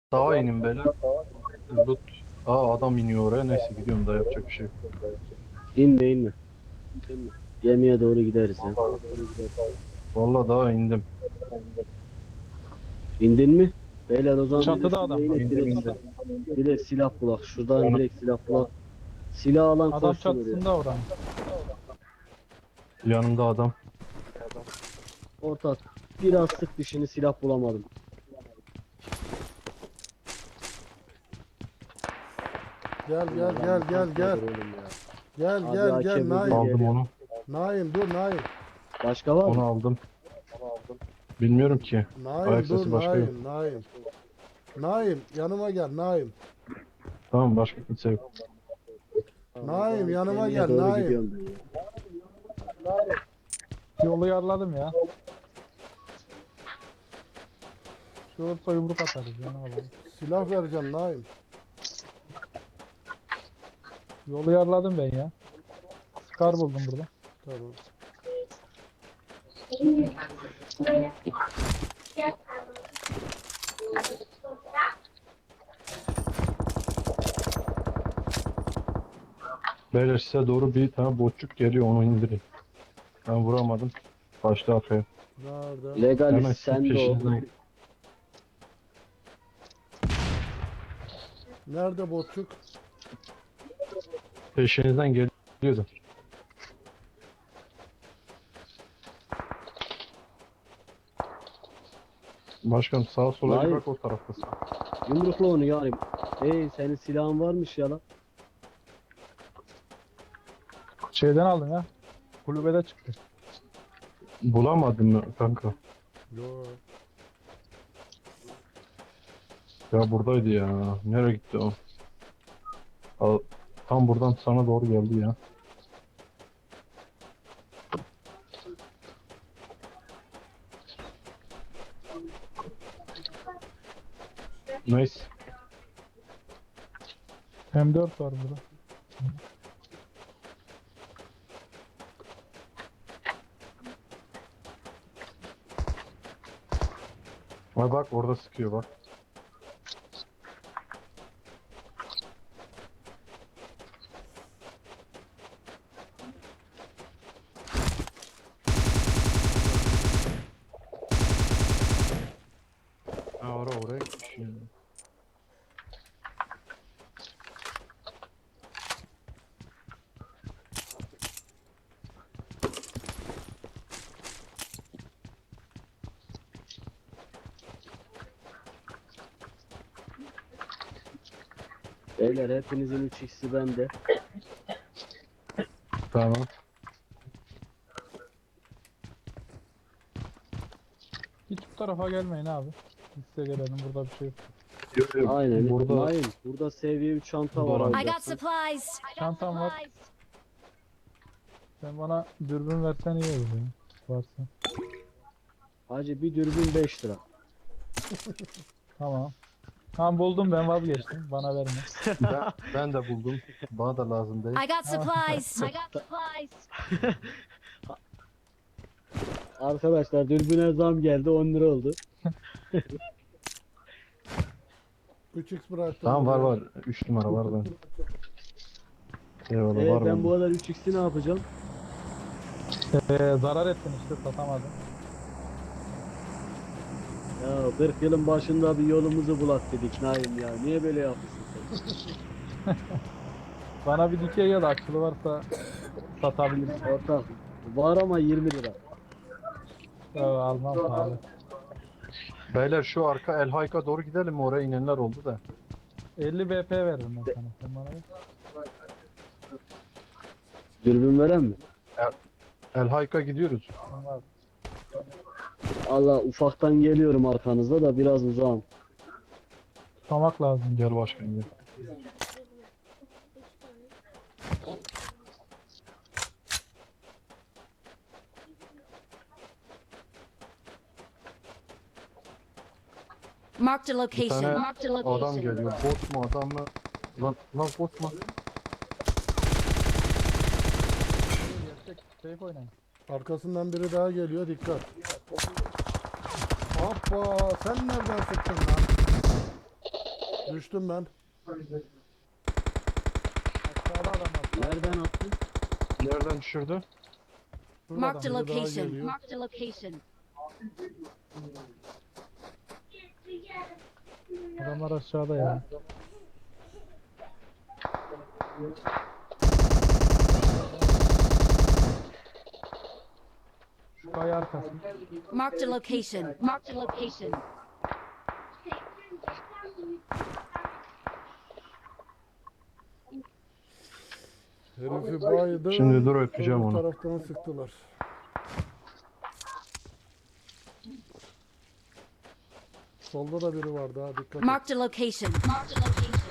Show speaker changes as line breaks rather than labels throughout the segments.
Sağa inin beyler. Loot. Adam iniyor oraya. Neyse gidiyorum da yapacak bir şey yok.
İnme inme. Gemiye doğru gideriz ya.
Vallahi daha indim.
İndin mi? Beyler o zaman biz de
Çatıda
şuraya
adam var.
inek
İndim
direkt,
indim.
direkt silah bulak. Şuradan
Onu,
direkt silah bulak. Silah alan
Adam
koşsun oraya.
çatısında oranın.
yanımda adam.
Ortak. Biraz sık dişini silah bulamadım.
Gel gel
Allah
gel
bu
gel
tank
gel.
nedir oğlum ya.
Gel
Abi
gel
AK
gel
buldum.
Naim.
Aldım
Geliyor.
onu.
Naim dur Naim.
Başka var
Onu
mı?
aldım. Bilmiyorum ki.
Naim
Ayak
dur
sesi başka yok.
Naim. Naim yanıma gel Naim.
Tamam başka kimse yok.
Tamam, o
Naim,
zaman
yanıma
gemiye
gel,
doğru
Naim.
gidiyorum ben ya.
Yolu yarladım ya. Şu olsa yumruk atarız ya, ne olur.
Silah vereceğim Naim.
Yolu yarladım ben ya. Scar buldum burada.
Tamam.
Beyler size doğru bir tane botçuk geliyor, onu indirin. Ben vuramadım. Başta arkaya.
Nerede?
Hemen
Legalist
sizin
sen de o.
peşinizden.
Nerede botçuk?
Peşinizden geliyordu. Başkanım sağa sola bir
Hayır.
bak, o taraftasın.
Yumrukla onu yani. Hey senin silahın varmış ya lan.
Şeyden aldım ya. Kulübede çıktı.
Bulamadın mı kanka?
Yo.
Ya buradaydı ya. Nereye gitti o? Al- Tam buradan sana doğru geldi ya. Nice.
M4 var burada.
Ha bak orada sıkıyor bak. Ha oraya gitmiş ya.
Beyler hepinizin 3x'i bende.
Tamam.
Hiç bu tarafa gelmeyin abi. Biz size gelelim, burada bir şey yok.
Aynen.
Burada
Naim burada seviye 3 çanta var
Doğru.
I got
alacaksın.
supplies.
Çantam var. Sen bana dürbün versen iyi olur ya. Varsa.
Hacı bir dürbün 5 lira.
Tamam. Tamam, buldum, ben vazgeçtim. Bana verme.
ben de buldum. Bana da lazım değil.
I got supplies. I got supplies.
Arkadaşlar dürbüne zam geldi 10 lira oldu.
3x bıraktım.
Tamam var
buraya.
var. 3 numara var ben. Eyvallah var
Ben bu
bende.
kadar 3x'i ne yapacağım?
Zarar ettin işte, satamadım.
Ya 40 yılın başında bir yolumuzu bulak dedik Naim ya. Niye böyle yapıyorsun sen?
Bana bir dikey ya da açılı varsa satabilirsin.
Ortak var ama 20 lira.
Almam pahalı.
Beyler şu arka El Hayka doğru gidelim mi? Oraya inenler oldu da.
50 BP veririm ben sana. Sen bana ver.
Dürbün veren mi?
El Hayka gidiyoruz.
Sen var.
Allah ufaktan geliyorum arkanızda da biraz uzağım.
Tutamak lazım.
Gel başkan gel.
Marked a
Bir
location.
tane
Marked a
adam
location.
geliyor. Bot mu adam mı? Lan bot mu?
Gerçek safe oynayın.
Arkasından biri daha geliyor, dikkat. Hoppa, sen nereden sıktın lan? Düştüm ben.
Aşağıda adam var.
Nereden attın?
Nereden düşürdü?
Şurada
Marked a
adam.
biri daha
location.
geliyor.
Marked a location.
Adamlar aşağıda ya. Şu kaya arkası.
Marked a location. Marked a location.
Herifi baydı.
Şimdi dur öpeceğim
Öbür
onu.
taraftan sıktılar. Solda da biri vardı ha, dikkat et.
Marked a location. Marked a location.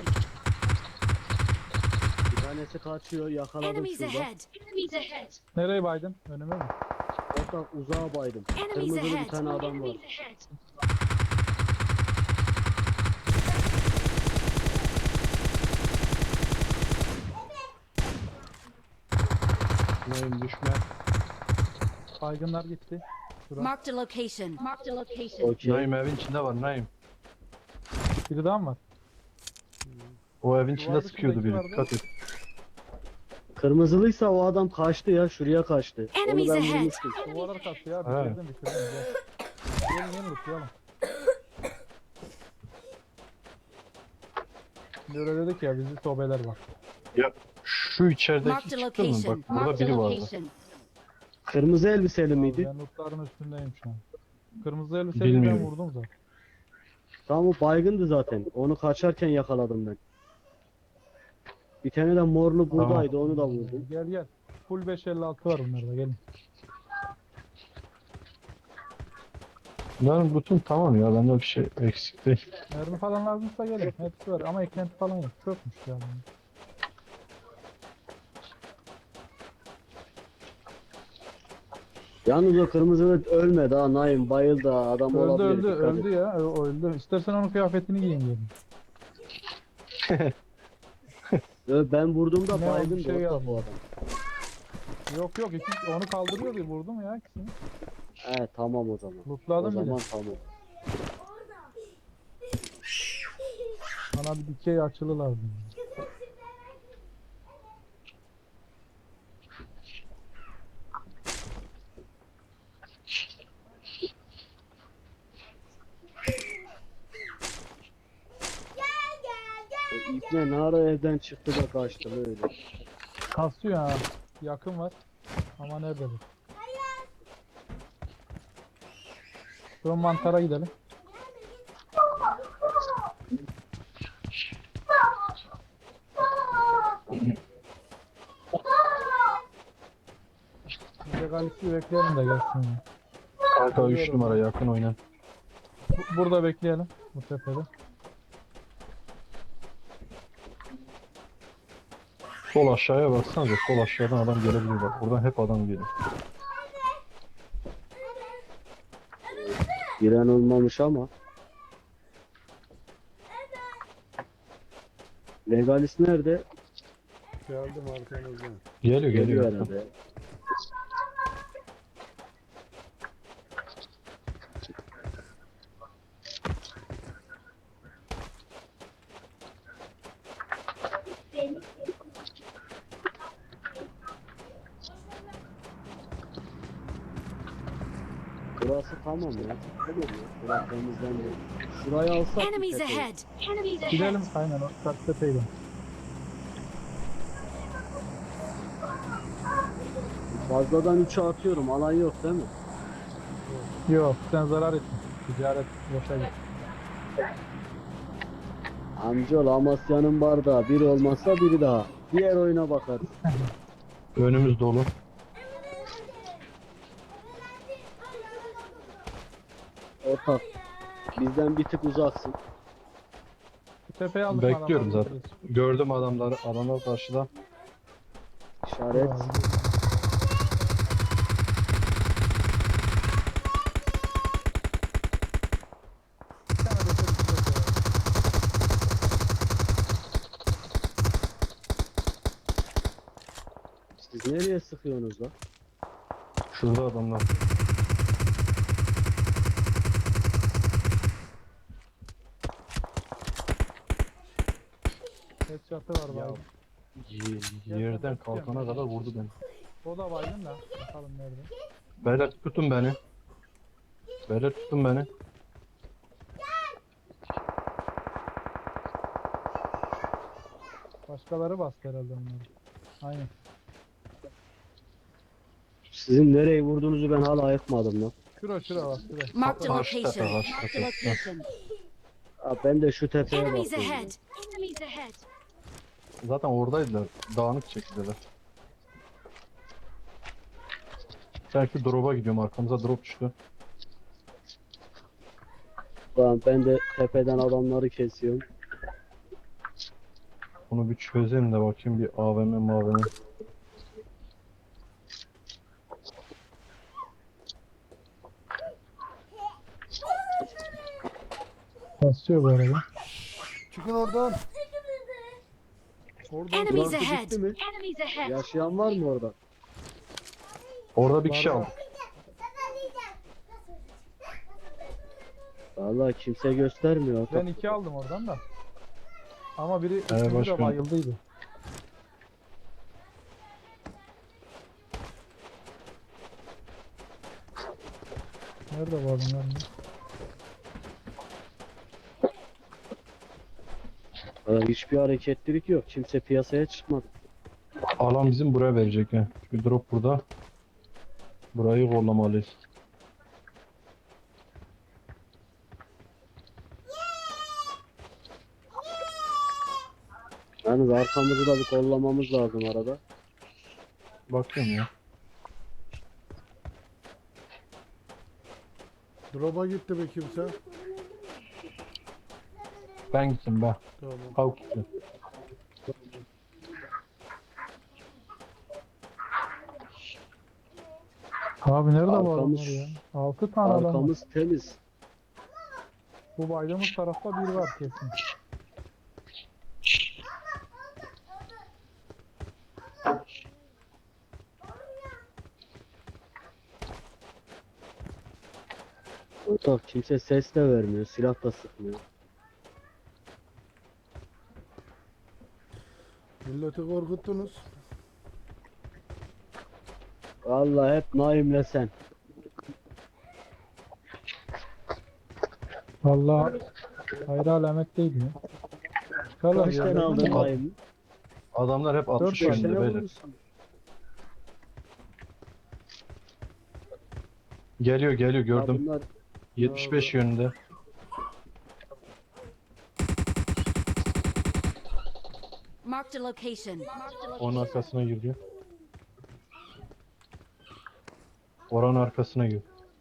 Bir tanesi kaçıyor. Yakaladım
Enemies
şurada.
ahead. Enemies ahead.
Nereye baydın? Önüme mi?
Orada uzağa baydım.
Enemies
Kırmızılı bir
ahead.
tane adam var.
Enemies ahead.
Naim düşme.
Baygınlar gitti. Şura.
Marked a location. Marked a location.
Okey.
Naim evin içinde var Naim.
Biri daha mı var?
O evin içinde
Duvarda
sıkıyordu biri.
şuradaki
Dikkat et.
Kırmızılıysa o adam kaçtı ya. Şuraya kaçtı. Onu
Enemies
ben
ahead.
vurmuştum.
Duvarlar kalktı ya.
He.
Bitirdim. Gel. Gelin unutmayalım. Şimdi öyle dedik ya bizi sobeler var.
Ya şu içerideki
Marked a
çıktı mı?
location.
Bak burada
Marked a
biri vardı.
location.
Kırmızı elbiseli miydi?
Ben lootların üstündeyim şu an. Kırmızı elbiseli ben
Bilmiyorum.
vurdum zaten.
Tamam, o baygındı zaten. Onu kaçarken yakaladım ben. Bir tane de morlu buradaydı, onu da vurdum.
Gel gel. Full 556 var bunlarda gelin.
Bunların bütün tamam ya. Bende bir şey eksik değil.
Mermi falan lazımsa gelin. Hepsi var ama eklenti falan yok. Çökmüş yani.
Yalnız o kırmızılı ölmedi ha, Naim bayıldı ha, adam
Öldü
olabilir.
öldü
dikkat et.
öldü ya. O öldü. İstersen onun kıyafetini giyin diyelim.
Ben vurduğumda
Ne oldu,
baygındı
bir şey
orada
geldi.
bu adam.
Yok yok onu kaldırıyor diye vurdum ya ikisini.
He tamam o zaman. O
Lootladım bile.
zaman tamam.
Bana bir dikey açılı lazım.
O İbne ne ara evden çıktı da kaçtı öyle.
Kasıyor ha. Yakın var. Ama nerede bu? Şu mantara gidelim. Bir de Galip'i bekleyelim de gelsin ya.
Kanka 3 numara yakın oynan.
Burada bekleyelim. Bu tepede.
Sol aşağıya baksanıza. Sol aşağıdan adam gelebilir bak. Buradan hep adam geliyor.
Giren olmamış ama. Legalis nerede?
Geldim arkanızdan.
Geliyor
Geliyor
geliyor.
herhalde. Burası tamam ya. Burası temizlendi. Şurayı alsak.
Enemies
bir tepeyi.
ahead. Enemies ahead.
Gidelim aynen o kat tepeyle.
Fazladan 3'e atıyorum. Alan yok değil mi?
Yok sen zarar etme. Ticaret boşa git.
Amcaoğlu Amasya'nın bardağı. Biri olmazsa biri daha. Diğer oyuna bakarız.
Önümüz dolu.
Ortak. Bizden bir tık uzaksın.
Bu tepeyi aldık.
Bekliyorum
adamlar
zaten.
bitiririz.
Gördüm adamları. Adamlar karşıda.
İşaret.
Bravo. Bir tane de şöyle bir tepe var.
Siz nereye sıkıyorsunuz lan?
Şurada adamlar.
Headshot'ı var
Ya
baygın.
yerden kalkana kadar vurdu beni.
O da baygın da. Bakalım nerede.
Beyler tutun beni. Beyler tutun beni.
Başkaları bastı herhalde onları. Aynen.
Sizin nereyi vurduğunuzu ben hala ayıkmadım lan.
Şura bak şura.
Marked a
Karşı tepe,
location.
karşı
Marked a
tepe.
location.
Ha, ben de şu tepeye
Enemies
bakıyorum.
ahead. Enemies ahead.
Zaten oradaydılar. Dağınık çekildiler. Belki drop'a gidiyorum. Arkamıza drop düştü.
Lan ben de tepeden adamları kesiyorum.
Bunu bir çözeyim de bakayım bir AVM mavm.
Basıyor bu arada.
Çıkın oradan. Oradan.
Enemies
Burası
ahead.
bitti mi?
Enemies ahead.
Yaşayan var mı orada?
Orada bir kişi
Var, var.
aldı.
Vallahi kimse göstermiyor.
Ben 2 aldım oradan da. Ama biri üçüncü de
başkanım.
bayıldıydı. Nerede bu adamlar?
Hiçbir hareketlilik yok. Kimse piyasaya çıkmadı.
Alan bizim buraya verecek ha. Çünkü drop burada. Burayı kollamalıyız.
Yani arkamızı da bir kollamamız lazım arada.
Bakıyorum ya.
Drop'a gitti mi kimse?
Ben gittim ben.
Tamam.
Kalk gitti.
Abi nerede bu
Arkamız-
adamlar ya? 6 tane adam var.
Arkamız temiz.
Bu baydığımız tarafta biri var kesin.
Ortak kimse ses de vermiyor. Silah da sıkmıyor.
Milleti korkuttunuz.
Vallahi hep Naim'le sen.
Vallahi hayra alamet değil mi? Çıkarlar
Kaç
ya.
tane aldın
Al.
Naim'i?
Adamlar hep 60
tane
5
yönde
tane
beyler.
vurmuşsun.
Geliyor
Ya
gördüm.
bunlar
75 yönünde.
Marked a location. Marked a
Onun
location.
arkasına giriyor. Oranın arkasına gir.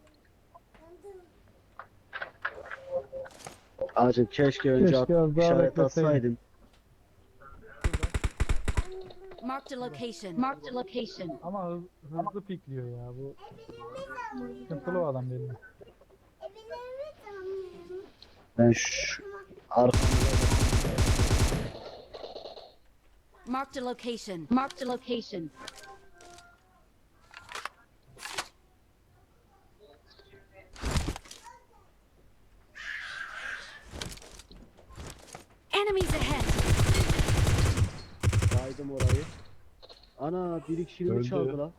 Acım keşke önce
Keşke az daha
işaret
bekleseydin.
atsaydın.
Marked a location. Marked a location.
Ama hızlı pikliyor ya bu. Sıkıntılı o adam belli.
Ben şu arkamda
Marked a location. Marked a location. Enemies ahead.
saydım orayı. Ana bir kişinin
Öldü.
çaldı la.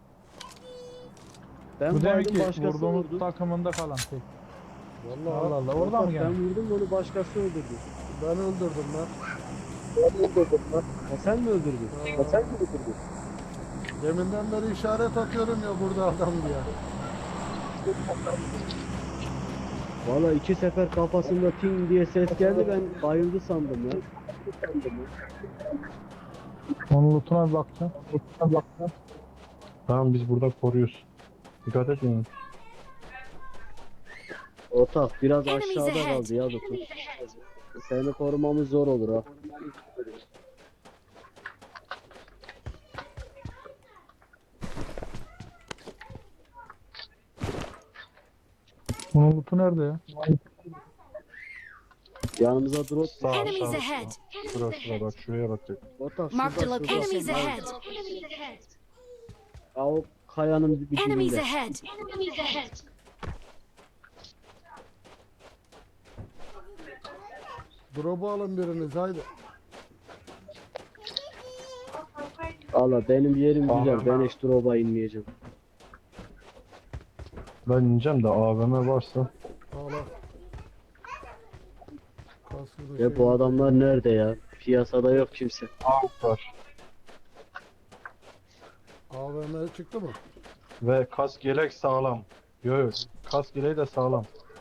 Ben
Bu demek
baydım
ki
başkası
vurduğumuz
vurdu.
takımında kalan tek.
Vallahi
Allah Allah oradan mı
Ben
geldi?
vurdum onu başkası öldürdü.
ben öldürdüm lan.
Ha sen mi öldürdün? Ha sen mi öldürdün?
Deminden beri işaret atıyorum ya burada adam diye.
Valla 2 sefer kafasında ting diye ses geldi ben bayıldı sandım ya.
Onun lootuna bir bakacağım.
Tamam biz burada koruyoruz. Dikkat et yani.
Ortak biraz
Enemies
aşağıda
ahead.
kaldı ya Lutuf.
Enemies ahead.
Seni korumamız zor olur ha.
Onun lootu nerede ya?
Yanımıza drop.
Sağ
Enemies
sağ.
ahead.
Şura şura bak şuraya bak.
Ortak
Marked a
şurada
location.
şurada.
Enemies
Ha,
ahead. Enemies ahead.
o kayanın bir
Enemies
dibinde.
ahead. Enemies ahead.
Drop'u alın biriniz haydi.
Allah benim yerim güzel.
Abi,
Ben hiç drop'a inmeyeceğim.
Ben ineceğim de AVM varsa.
Al al. Kaskı da
Ya
şey-
bu adamlar nerede ya? Piyasada yok kimse.
Var.
AVM çıktı mı?
Ve kask yelek sağlam. Yok. Kask yeleği de sağlam.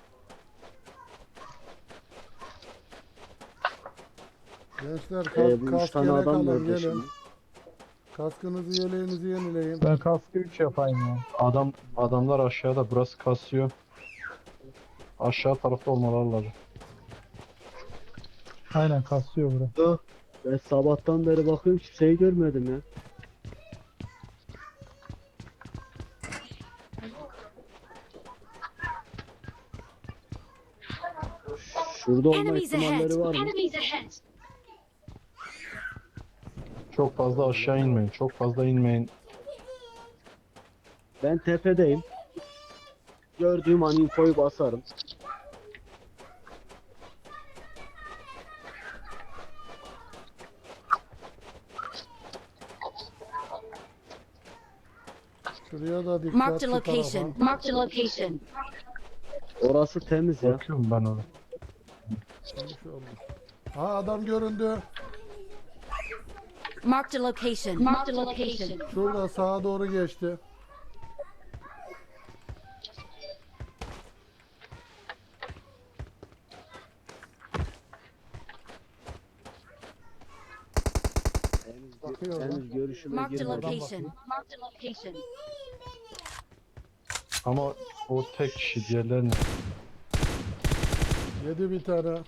Gençler
Bu üç
kask
tane
yelek
adam
alın
nerede
gelin.
şimdi?
Kaskınızı yeleğinizi yenileyin.
Ben kaskı 3 yapayım ya.
Adamlar aşağıda, burası kasıyor. Aşağı tarafta olmaları lazım.
Aynen kasıyor bura.
Yok. Ben sabahtan beri bakıyorum kimseyi görmedim ya. Şurada olma
Enemies ahead.
ihtimalleri var mı?
Enemies ahead.
Çok fazla aşağı inmeyin. Çok fazla inmeyin.
Ben tepedeyim. Gördüğüm an infoyu basarım.
Şuraya da dikkat
Marked a
şu tarafa.
location. Marked a location.
Orası temiz ya.
Bakıyorum ben ona.
İnşallah. Ha adam göründü.
Marked a location. Marked a location.
Şurada sağa doğru geçti.
Henüz, henüz görüşüme
Marked a
girmedi.
location. Marked a location.
Ama o tek kişi, diğerlerini.
Yedi bir tane.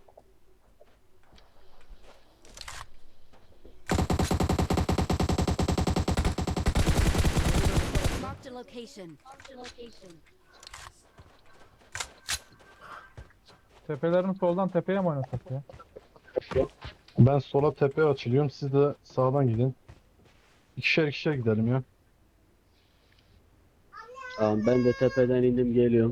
Marked a location. Marked a location.
Tepelerini soldan tepeye mi oynasak ya?
Ben sola tepeye açılıyorum. Siz de sağdan gidin. İkişer ikişer gidelim ya.
Tamam ben de tepeden indim geliyorum.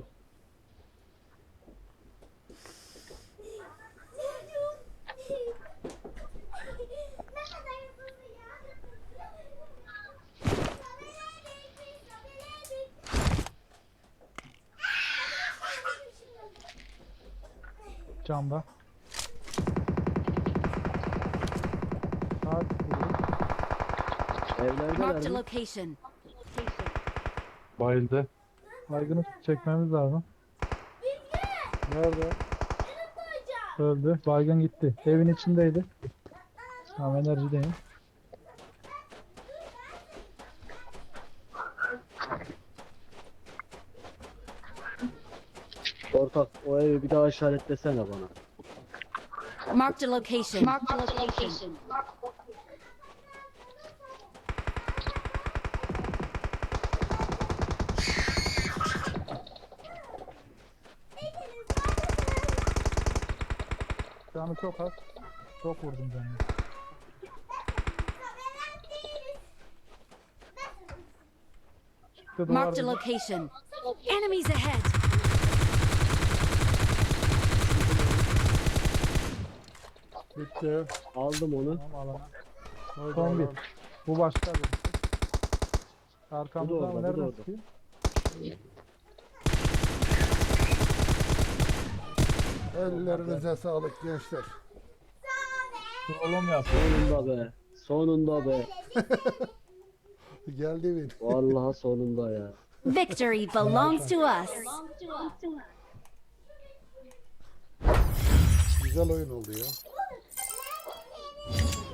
Camda. Saat
Evlerdeler
Marked a
mi?
location.
Bayıldı.
baygını çekmemiz lazım.
Nerede?
Öldü. Baygın gitti. Evin içindeydi. Tamam enerjideyim.
Ortak o evi bir daha işaretlesene bana.
Marked a location. Marked a location.
Canı çok az. Çok vurdum canını. Çıktı duvar
Marked a
dibi.
location. Enemies ahead.
Bitti.
Aldım onu.
Tamam alalım.
Haydi
Son bir.
alalım.
Bu başka bir.
Bu da
Arkamızdan
orada, bu da
nereden
orada.
sıkıyor?
Ellerinize sağlık gençler.
Oğlum yapıyor.
Sonunda be. Sonunda be.
Geldi mi?
Vallahi sonunda ya.
Victory belongs to us.
Güzel oyun oldu ya.